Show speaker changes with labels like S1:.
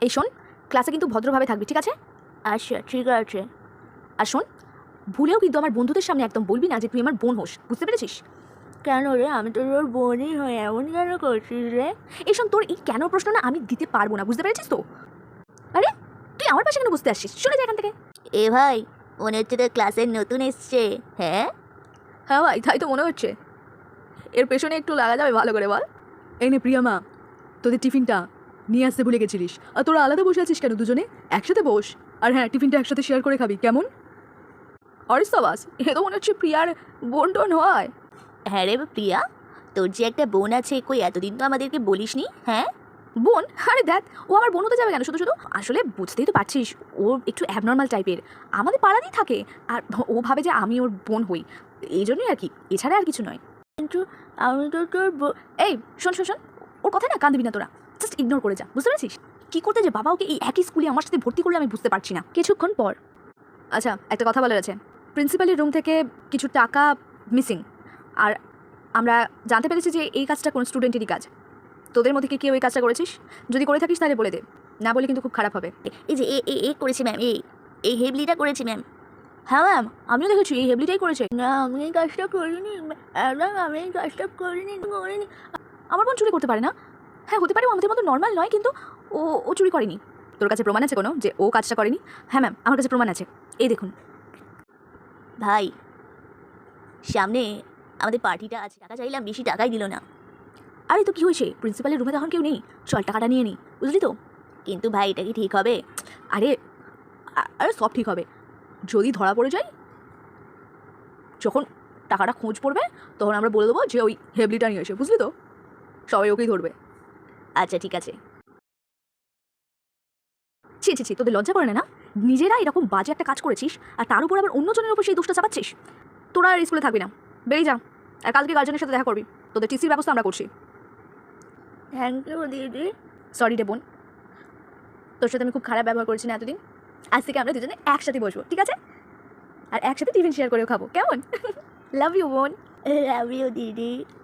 S1: এই শোন, ক্লাসে কিন্তু ভদ্রভাবে থাকবি, ঠিক আছে?
S2: আচ্ছা ঠিক আছে।
S1: আর শোন, ভুলেও কিন্তু আমার বন্ধুদের সামনে একদম বলবি না যে তুই আমার বোন হোস, বুঝতে পেরেছিস?
S2: কেন রে, আমি তো তোর বোনই হই, এমন কেন করছিস রে?
S1: এই শোন, তোর এই কেন প্রশ্ন না আমি দিতে পারবো না, বুঝতে পেরেছিস তো? আরে তুই আমার পাশে কেন বুঝতে আসছিস? চলে যা এখান থেকে।
S2: এ ভাই, মনে হচ্ছে তোর ক্লাসের নতুন এসছে। হ্যাঁ
S1: হ্যাঁ ভাই, তাই তো মনে হচ্ছে। এর পেছনে একটু লাগা যাবে ভালো করে, বল। এই নে প্রিয়া মা, তোদের টিফিনটা নিয়ে আসতে ভুলে গেছিলিস। আর তোরা আলাদা বসে আছিস কেন? দুজনে একসাথে বস। আর হ্যাঁ, টিফিনটা একসাথে শেয়ার করে খাবি, কেমন? অরিস বাস, এ তো মনে হচ্ছে প্রিয়ার বোন টোন হয়।
S2: হ্যাঁ রে প্রিয়া, তোর যে একটা বোন আছে, কই এতদিন তো আমাদেরকে বলিসনি। হ্যাঁ
S1: বোন? আরে দেখ, ও আমার বোন হতে যাবে কেন শুধু শুধু? আসলে বুঝতেই তো পারছিস, ও একটু অ্যাবনর্মাল টাইপের, আমাদের পাড়াতেই থাকে। আর ও ভাবে যে আমি ওর বোন হই, এই জন্যই আর কি, এছাড়া আর কিছু নয়।
S2: কিন্তু আমি তো তোর
S1: এই শোন শোন শোন, ওর কথায় না কান দিবি না তোরা, জাস্ট ইগনোর করে যা, বুঝতে পেরেছিস? কী করতে যে বাবা ওকে এই একই স্কুলে আমার সাথে ভর্তি করলে আমি বুঝতে পারছি না। কিছুক্ষণ পর, আচ্ছা একটা কথা বলার আছে। প্রিন্সিপালের রুম থেকে কিছু টাকা মিসিং, আর আমরা জানতে পেরেছি যে এই কাজটা কোনো স্টুডেন্টেরই কাজ। তোদের মধ্যে কি কেউ এই কাজটা করেছিস? যদি করে থাকিস তাহলে বলে দে, না বলে কিন্তু খুব খারাপ হবে।
S2: এই যে এ করেছি ম্যাম, এই হেবলিটা করেছি ম্যাম।
S1: হ্যাঁ ম্যাম, আমিও দেখেছি এই হেবলিটাই করেছে।
S2: না আমি এই কাজটা করিনি ম্যাম, আমি এই কাজটা করিনি।
S1: আমার বোন চুরি করতে পারে না? হ্যাঁ হতে পারে, ও আমাদের মতো নর্মাল নয়, কিন্তু ও ও চুরি করেনি। তোর কাছে প্রমাণ আছে কোনো যে ও কাজটা করেনি? হ্যাঁ ম্যাম, আমার কাছে প্রমাণ আছে, এই দেখুন।
S2: ভাই, সামনে আমাদের পার্টিটা আছে, টাকা চাইলাম, বেশি টাকাই দিল না।
S1: আরে তো কী হয়েছে, প্রিন্সিপালের রুমে তখন কেউ নেই, চল টাকাটা নিয়ে নিই, বুঝলি তো?
S2: কিন্তু ভাই, এটা কি ঠিক হবে?
S1: আরে আরে সব ঠিক হবে, যদি ধরা পড়ে যায়, যখন টাকাটা খোঁজ পড়বে তখন আমরা বলে দেবো যে ওই হেবলিটা নিয়ে এসে, বুঝলি তো? সবাই ওকেই ধরবে।
S2: আচ্ছা ঠিক আছে।
S1: ছি ছি ছি, তোদের লজ্জা করে না? নিজেরা এরকম বাজে একটা কাজ করেছিস, আর তার উপর আবার অন্যজনের উপর সেই দোষটা চাপাচ্ছিস। তোরা আর স্কুলে থাকবি না, বেরিয়ে যা। আর কালকে গার্জেনের সাথে দেখা করবি, তোদের টিসির ব্যবস্থা আমরা করছি।
S2: থ্যাংক ইউ দিদি।
S1: সরি রে বোন, তোর সাথে আমি খুব খারাপ ব্যবহার করেছি না এতদিন। আজ থেকে আমরা দুজনে একসাথে বসবো, ঠিক আছে? আর একসাথে টিফিন শেয়ার করেও খাবো, কেমন? লাভ ইউ বোন।
S2: লাভ ইউ দিদি।